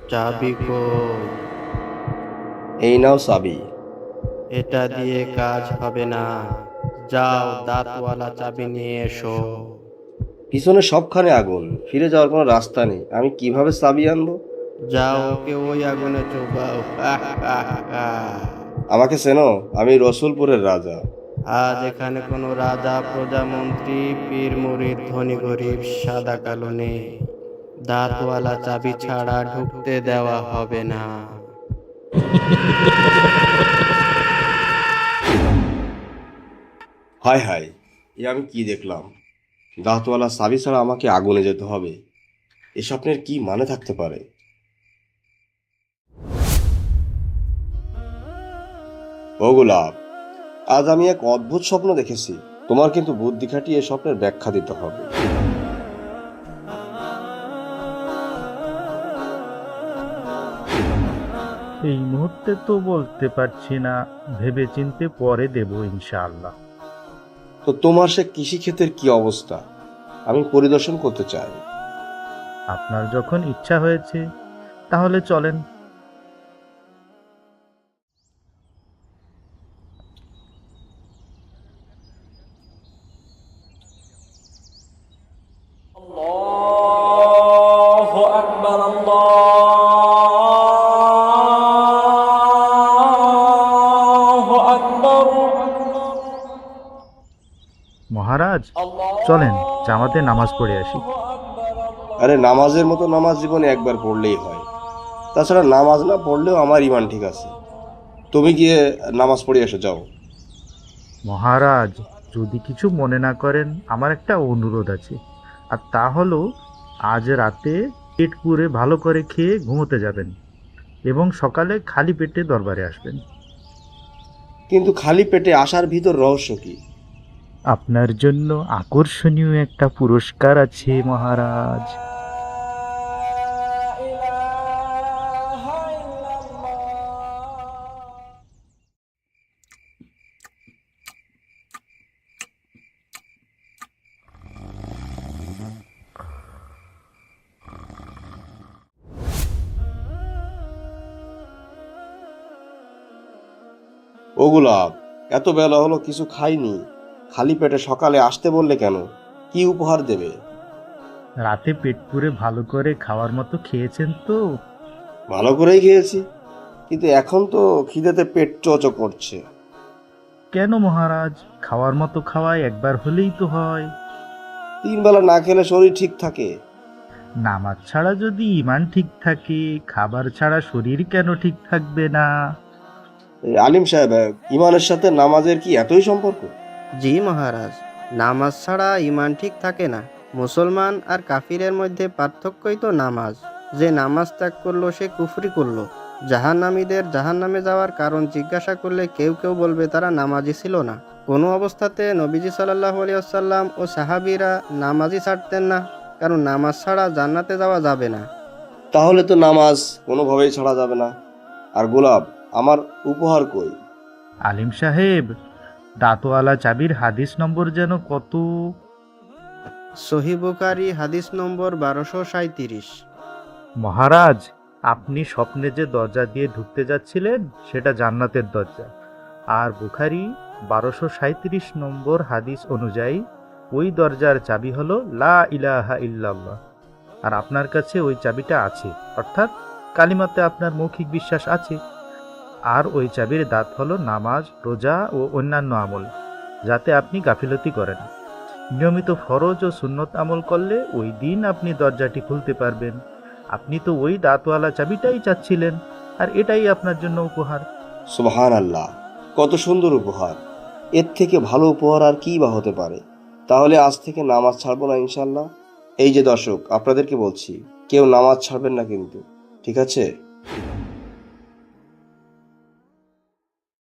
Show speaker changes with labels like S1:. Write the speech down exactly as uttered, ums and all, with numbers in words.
S1: চাবি কই?
S2: এই নাও চাবি।
S1: এটা দিয়ে কাজ হবে না। যাও, দাঁতওয়ালা চাবি নিয়ে এসো।
S2: পিছনে সবখানে আগুন, ফিরে যাওয়ার কোনো রাস্তা নেই, আমি কিভাবে চাবি আনবো?
S1: যাও, ওকে ওই আগুনে চোবাও। আহ, আহ, আহ।
S2: আমাকে চেনো? আমি রসুলপুরের রাজা।
S1: আজ এখানে কোনো রাজা, প্রজামন্ত্রী, পীর মুরিদ, ধনী গরিব, সাদা কালো নেই। দাঁতওয়ালা চাবি ছাড়া ঢুকতে দেওয়া হবে না।
S2: হায় হায়, এ আমি কি দেখলাম! দাঁতওয়ালা চাবি ছাড়া আমাকে আগুনে যেতে হবে। এ স্বপ্নের কি মানে থাকতে পারে? ও গোলাপ, আজ আমি এক অদ্ভুত স্বপ্ন দেখেছি। তোমার কিন্তু বুদ্ধি খাটিয়ে এ স্বপ্নের ব্যাখ্যা দিতে হবে।
S3: এই মুহূর্তে তো বলতে পারছি না, ভেবেচিন্তে পরে দেব ইনশাআল্লাহ।
S2: তো তোমার সে কৃষিক্ষেতের কি অবস্থা? আমি পরিদর্শন করতে চাই।
S3: আপনার যখন ইচ্ছা হয়েছে তাহলে চলেন।
S4: الله أكبر الله أكبر
S3: মহারাজ, চলেন জামাতে নামাজ পড়ে আসি।
S2: আরে নামাজের মতো নামাজ জীবনে একবার পড়লেই হয়। তাছাড়া নামাজ না পড়লেও আমার ইমান ঠিক আছে। তুমি গিয়ে নামাজ পড়ে এসে যাও।
S3: মহারাজ, যদি কিছু মনে না করেন, আমার একটা অনুরোধ আছে। আর তা হলো, আজ রাতে পেট পুরে ভালো করে খেয়ে ঘুমোতে যাবেন এবং সকালে খালি পেটে দরবারে আসবেন।
S2: কিন্তু খালি পেটে আসার ভিতর রহস্য কি?
S3: আপনার জন্য আকর্ষণীয় একটা পুরস্কার আছে মহারাজ।
S2: ও গোলাপ, এত বেলা হলো কিছু খাইনি। খালি পেটে সকালে আসতে বললে কেন? কি উপহার দেবে?
S3: রাতে পেট পুরে ভালো করে খাওয়ার মতো খেয়েছেন তো?
S2: ভালো করেই খেয়েছি, কিন্তু এখন তো খিদেতে পেট চোচো করছে।
S3: কেন মহারাজ, খাওয়ার মতো খাওয়াই একবার হলেই তো হয়।
S2: তিন বেলা না খেলে শরীর ঠিক থাকে?
S3: নামাজ ছাড়া যদি ইমান ঠিক থাকে, খাবার ছাড়া শরীর কেন ঠিক থাকবে না?
S2: এই আলিম সাহেব, ইমানের সাথে নামাজের কি এতই সম্পর্ক?
S1: জি মহারাজ, নামাজ ছাড়া ইমান ঠিক থাকে না। মুসলমান আর কাফিরের মধ্যে পার্থক্যই তো নামাজ। যে নামাজ ত্যাগ করলো সে কুফরি করলো। জাহান্নামীদের জাহান্নামে যাওয়ার কারণ জিজ্ঞাসা করলে কেউ কেউ বলবে তারা নামাজি ছিল না। কোনো অবস্থাতে নবীজি সাল্লাল্লাহু আলাইহি ওয়াসাল্লাম ও সাহাবীরা নামাজই ছাড়তেন না, কারণ নামাজ ছাড়া জান্নাতে যাওয়া যাবে না।
S2: তাহলে তো নামাজ কোনোভাবেই ছাড়া যাবে না। আর গোলাপ, আমার উপহার কই?
S3: আলিম সাহেব, দাঁতওয়ালা চাবির হাদিস নম্বর যেন কত?
S1: সহিহ বুখারী হাদিস নম্বর বারোশো সাঁইত্রিশ।
S3: মহারাজ, আপনি স্বপ্নে যে দরজা দিয়ে ঢুকতে যাচ্ছিলেন সেটা জান্নাতের দরজা। আর বুখারী বারোশো সাঁইত্রিশ নম্বর হাদিস অনুযায়ী ওই দরজার চাবি হলো লা ইলাহা ইল্লাল্লাহ। আর আপনার কাছে ওই চাবিটা আছে, অর্থাৎ কালিমাতে আপনার মৌখিক বিশ্বাস আছে। আর ওই চাবির দাঁত হলো নামাজ, রোজা ও অন্যান্য আমল, যাতে আপনি গাফিলতি করেন। নিয়মিত ফরজ ও সুন্নত আমল করলে ওই দিন আপনি দরজাটি খুলতে পারবেন। আপনি তো ওই দাঁতওয়ালা চাবিটাই চাচ্ছিলেন, আর এটাই আপনার জন্য উপহার।
S2: সুবহান আল্লাহ, কত সুন্দর উপহার! এর থেকে ভালো উপহার আর কি বা হতে পারে? তাহলে আজ থেকে নামাজ ছাড়বো না ইনশাল্লাহ। এই যে দর্শক, আপনাদেরকে বলছি, কেউ নামাজ ছাড়বেন না কিন্তু, ঠিক আছে?